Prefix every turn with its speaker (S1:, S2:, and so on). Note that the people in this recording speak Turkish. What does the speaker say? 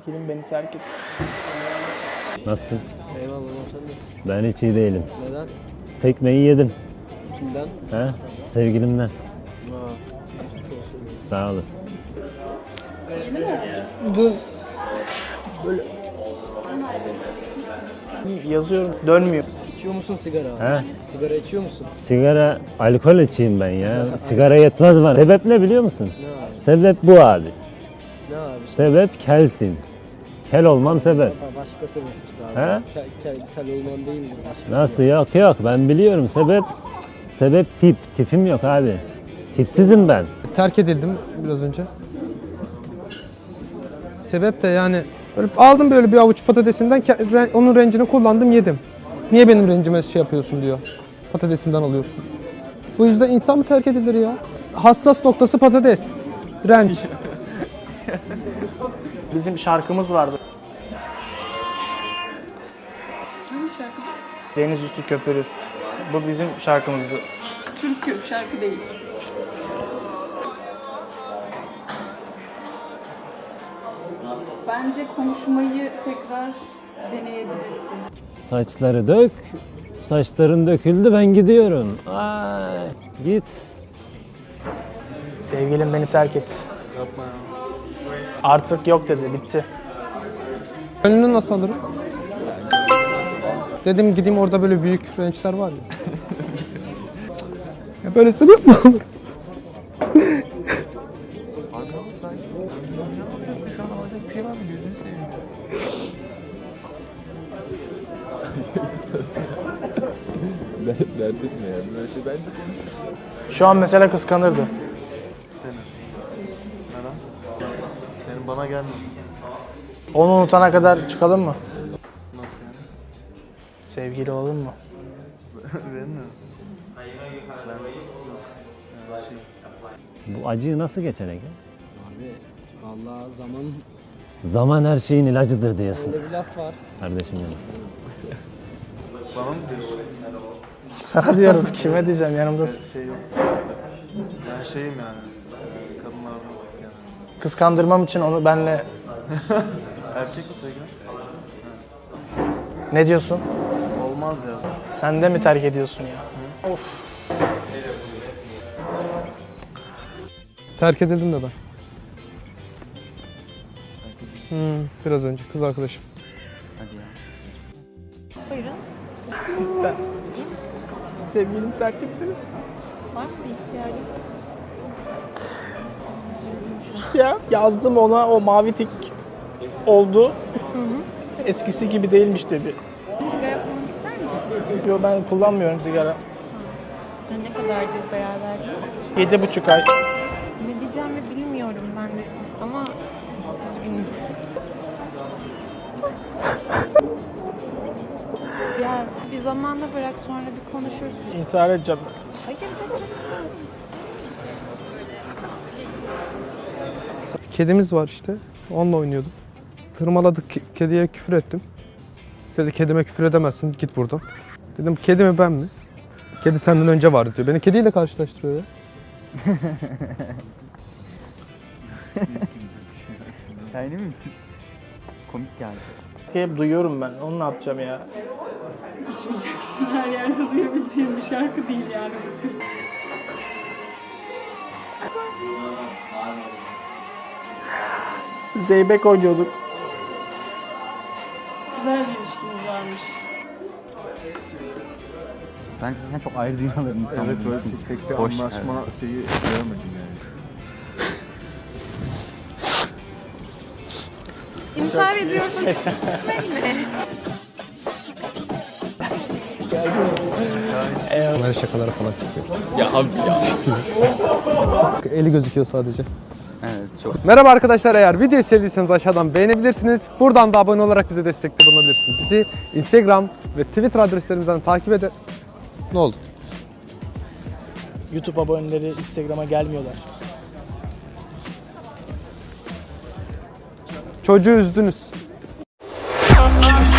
S1: Sevgilim beni terk etti.
S2: Nasılsın?
S3: Eyvallah sen de.
S2: Ben hiç iyi değilim.
S3: Neden?
S2: Tekmeyi yedim.
S3: Kimden?
S2: He? Sevgilimden.
S3: Geçmiş olsun.
S2: Sağ olasın.
S1: Dün böyle yazıyorum, dönmüyor.
S3: İçiyor musun sigara?
S2: He?
S3: Sigara içiyor musun?
S2: Sigara, alkol içeyim ben ya. Sigara yetmez bana. Sebep ne biliyor musun?
S3: Ne abi?
S2: Sebep bu abi.
S3: Ne abi?
S2: Sebep kelsin. Kel olmam sebep.
S3: Başka sebepmiş abi.
S2: He?
S3: Kel olman değildir. Başka
S2: Nasıl? Yok ben biliyorum. Sebep tipim yok abi. Tipsizim ben.
S4: Terk edildim biraz önce. Sebep de yani böyle aldım böyle bir avuç patatesinden onun rencini kullandım yedim. Niye benim rencime şey yapıyorsun diyor. Patatesinden alıyorsun. Bu yüzden insan mı terk edilir ya? Hassas noktası patates. Renç.
S1: Bizim şarkımız vardı.
S5: Hangi şarkı?
S1: Deniz üstü köpürür. Bu bizim şarkımızdı.
S5: Türkü, şarkı değil. Bence konuşmayı tekrar deneyebilirsin.
S2: Saçları dök. Saçların döküldü ben gidiyorum. Ay, git.
S1: Sevgilim beni terk etti. Yapma ya. Artık yok dedi, bitti.
S4: Önünü nasıl alırım? Dedim gideyim orada böyle büyük rençler var ya. Ya böyle sebep mi olur?
S6: Dert etme ya. Böyle şey ben de
S1: Şu an mesela kıskanırdı.
S6: Senin bana gelme.
S1: Onu unutana kadar çıkalım mı?
S6: Nasıl yani?
S1: Sevgili olalım mı?
S6: Benim mi?
S2: Bu acıyı nasıl geçerek?
S3: Abi vallahi
S2: Zaman her şeyin ilacıdır diyorsun.
S3: öyle bir laf var.
S2: Kardeşim benim.
S6: Bana mı diyorsun?
S1: Sana diyorum, kime diyeceğim, yanımdasın.
S6: Şey yok. Ben şeyim yani. Kadınlarla yani.
S1: Kıskandırmam için onu benle...
S6: Erkek mi sevgilim?
S1: Ne diyorsun?
S6: Olmaz ya.
S1: Sen de mi terk ediyorsun ya? Of.
S4: Terk edildim de ben. Biraz önce kız arkadaşım.
S6: Hadi ya.
S5: Buyurun.
S1: Sevgilim terk etti.
S5: Var mı bir ihtiyacın?
S1: Ya yazdım ona, o mavi tik oldu. Eskisi gibi değilmiş dedi.
S5: Sigara falan ister misin?
S1: Yo, ben kullanmıyorum sigara.
S5: Ne kadardır beraber?
S1: 7,5 ay.
S5: Ne diyeceğimi bilmiyorum ben de ama üzgünüm. Ya bir zamanla bırak sonra bir konuşuruz.
S1: İntihar edeceğim.
S5: Hayır be saçmalama.
S4: Kedimiz var işte. Onunla oynuyordum. Tırmaladık, kediye küfür ettim. Dedi kedime küfür edemezsin, git buradan. Dedim kedi mi ben mi? Kedi senden önce vardı diyor. Beni kediyle karşılaştırıyor ya.
S6: Yani mi? Komik geldi.
S1: Hep duyuyorum ben. Onu ne yapacağım ya?
S5: Her yerde duyabileceğim bir şarkı değil yani bu tür.
S1: Zeybek oynuyorduk.
S5: Güzel bir ilişkimiz varmış.
S7: Ben zaten çok ayrı dünyaların insanıyım.
S6: Evet böyle pek bir
S7: Boş,
S6: anlaşma şeyi göremedim yani.
S5: İntihar ediyorsun.
S4: Böyle şakalara falan çıkıyoruz. Ya abi ya. Eli gözüküyor sadece.
S7: Evet çok.
S4: Merhaba arkadaşlar, eğer videoyu sevdiyseniz aşağıdan beğenebilirsiniz. Buradan da abone olarak bize destekte bulunabilirsiniz. Bizi Instagram ve Twitter adreslerimizden takip edin. Ne oldu?
S1: YouTube aboneleri Instagram'a gelmiyorlar.
S4: Çocuğu üzdünüz.